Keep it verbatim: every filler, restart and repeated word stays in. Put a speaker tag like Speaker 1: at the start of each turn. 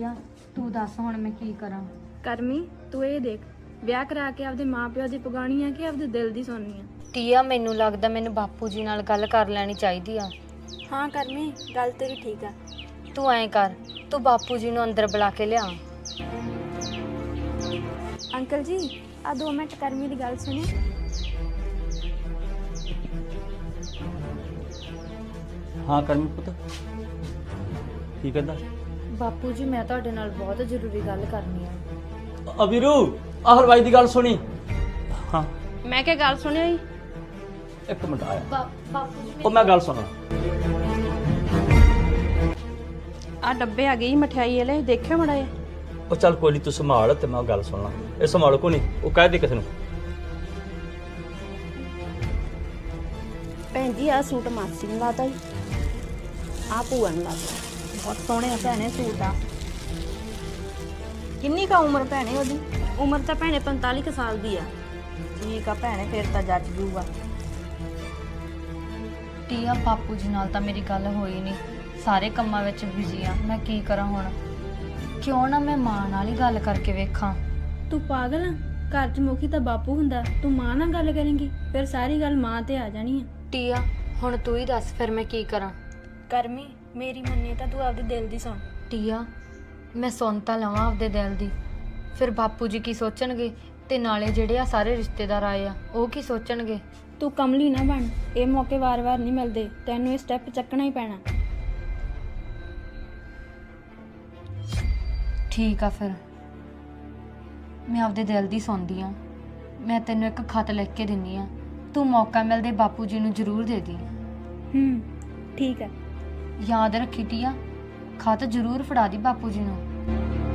Speaker 1: Tea ਤੂੰ ਦੱਸ ਹੁਣ ਮੈਂ ਕੀ ਕਰਾਂ।
Speaker 2: ਕਰਮੀ ਤੂੰ ਇਹ ਦੇਖ, ਵਿਆਹ ਕਰਾ ਕੇ ਆਪਦੇ ਮਾਪਿਓ ਦੀ ਪਗਾਣੀ ਆ ਕਿ ਆਪਦੇ ਦਿਲ ਦੀ ਸੁਣਨੀ ਆ?
Speaker 1: ਟੀਆ ਮੈਨੂੰ ਲੱਗਦਾ ਮੈਨੂੰ ਬਾਪੂ ਜੀ ਨਾਲ ਗੱਲ ਕਰ ਲੈਣੀ ਚਾਹੀਦੀ ਆ।
Speaker 2: ਹਾਂ ਕਰਮੀ, ਗੱਲ ਤੇਰੀ ਠੀਕ ਆ।
Speaker 1: ਤੂੰ ਐਂ ਕਰ, ਤੂੰ ਬਾਪੂ ਜੀ ਨੂੰ ਅੰਦਰ ਬੁਲਾ ਕੇ ਲਿਆ।
Speaker 2: ਅੰਕਲ ਜੀ ਆ ਦੋ ਮਿੰਟ ਕਰਮੀ ਦੀ ਗੱਲ ਸੁਣਿਓ।
Speaker 3: ਹਾਂ ਕਰਮੀ ਪੁੱਤ, ਕੀ ਕਹਿੰਦਾ?
Speaker 1: ਬਾਪੂ ਜੀ ਮੈਂ ਤੁਹਾਡੇ ਨਾਲ ਬਹੁਤ ਜ਼ਰੂਰੀ ਗੱਲ ਕਰਨੀ ਆ।
Speaker 3: ਅਬੀਰੂ ਆਹ ਹਲਵਾਈ ਦੀ ਗੱਲ ਸੁਣੀ। ਹਾਂ
Speaker 2: ਮੈਂ ਕਿਹਾ ਗੱਲ ਸੁਣਿਓ ਜੀ।
Speaker 3: ਇੱਕ ਮਿੰਟ ਆਇਆ।
Speaker 1: ਬਾਪੂ ਜੀ
Speaker 3: ਉਹ ਮੈਂ ਗੱਲ ਸੁਣਾ।
Speaker 2: ਆ ਡੱਬੇ ਆ ਗਏ ਜੀ ਮਠਿਆਈ ਵਾਲੇ, ਦੇਖਿਓ ਮੜਾ ਜਿਹਾ।
Speaker 3: ਉਹ ਚੱਲ ਕੋਈ ਨਹੀਂ, ਤੂੰ ਸੰਭਾਲ ਤੇ ਮੈਂ ਗੱਲ ਸੁਣਨਾ। ਇਹ ਸੰਭਾਲ ਕੋ ਨਹੀਂ, ਉਹ ਕਹਿ ਦੇ ਕਿਸੇ ਨੂੰ।
Speaker 2: ਭੈਣ ਜੀ ਆ ਸੂਟ ਮਾਸੀ ਨੂੰ ਲਾਤਾ ਜੀ, ਆ ਭੂਆ ਨੂੰ ਲਾਤਾ। ਬਹੁਤ ਸੋਹਣੇ ਆ ਭੈਣੇ ਸੂਟ ਆ।
Speaker 4: ਕਿੰਨੀ ਕਾ ਉਮਰ ਭੈਣੇ ਉਹਦੀ?
Speaker 2: ਉਮਰ ਤਾਂ ਭੈਣੇ ਪੰਤਾਲੀ ਕੁ ਸਾਲ ਦੀ ਆ।
Speaker 4: ਠੀਕ ਆ ਭੈਣੇ, ਫਿਰ ਤਾਂ ਜੱਜ ਜੂਗਾ।
Speaker 1: ਟੀਆ ਬਾਪੂ ਜੀ ਨਾਲ ਤਾਂ ਮੇਰੀ ਗੱਲ ਹੋਈ ਨਹੀਂ, ਸਾਰੇ ਕੰਮਾਂ ਵਿੱਚ ਬਿਜ਼ੀ ਆ। ਮੈਂ ਕੀ ਕਰਾਂ ਹੁਣ? ਕਿਉਂ ਨਾ ਮੈਂ ਮਾਂ ਨਾਲ ਹੀ ਗੱਲ ਕਰਕੇ ਵੇਖਾਂ।
Speaker 2: ਤੂੰ ਪਾਗਲ ਆ? ਘਰ 'ਚ ਮੁਖੀ ਤਾਂ ਬਾਪੂ ਹੁੰਦਾ, ਤੂੰ ਮਾਂ ਨਾਲ ਗੱਲ ਕਰੇਂਗੀ ਫਿਰ ਸਾਰੀ ਗੱਲ ਮਾਂ ਤੇ ਆ ਜਾਣੀ ਆ।
Speaker 1: ਟੀਆ ਹੁਣ ਤੂੰ ਹੀ ਦੱਸ ਫਿਰ ਮੈਂ ਕੀ ਕਰਾਂ।
Speaker 2: ਕਰਮੀ ਮੇਰੀ ਮੰਨੀ ਤਾਂ ਤੂੰ ਆਪਦੇ ਦਿਲ ਦੀ ਸੁਣ।
Speaker 1: ਟੀਆ ਮੈਂ ਸੁਣ ਤਾਂ ਲਵਾਂ ਆਪਦੇ ਦਿਲ ਦੀ, ਫਿਰ ਬਾਪੂ ਜੀ ਕੀ ਸੋਚਣਗੇ ਤੇ ਨਾਲੇ ਜਿਹੜੇ ਆ ਸਾਰੇ ਰਿਸ਼ਤੇਦਾਰ ਆਏ ਆ ਉਹ ਕੀ ਸੋਚਣਗੇ।
Speaker 2: ਤੂੰ ਕਮਲੀ ਨਾ ਬਣ, ਇਹ ਮੌਕੇ ਵਾਰ-ਵਾਰ ਨਹੀਂ ਮਿਲਦੇ, ਤੈਨੂੰ ਇਹ ਸਟੈਪ ਚੱਕਣਾ ਹੀ ਪੈਣਾ।
Speaker 1: ਠੀਕ ਆ ਫਿਰ ਮੈਂ ਆਪਦੇ ਦਿਲ ਦੀ ਸੁਣਦੀ ਆ। ਮੈਂ ਤੈਨੂੰ ਇੱਕ ਖਤ ਲਿਖ ਕੇ ਦਿੰਨੀ ਆ, ਤੂੰ ਮੌਕਾ ਮਿਲਦੇ ਬਾਪੂ ਜੀ ਨੂੰ ਜ਼ਰੂਰ ਦੇ ਦੀ।
Speaker 2: ਹੂੰ ਠੀਕ ਆ।
Speaker 1: ਯਾਦ ਰੱਖੀ ਟੀਆ, ਖਤ ਜ਼ਰੂਰ ਫੜਾ ਦੀ ਬਾਪੂ ਜੀ ਨੂੰ।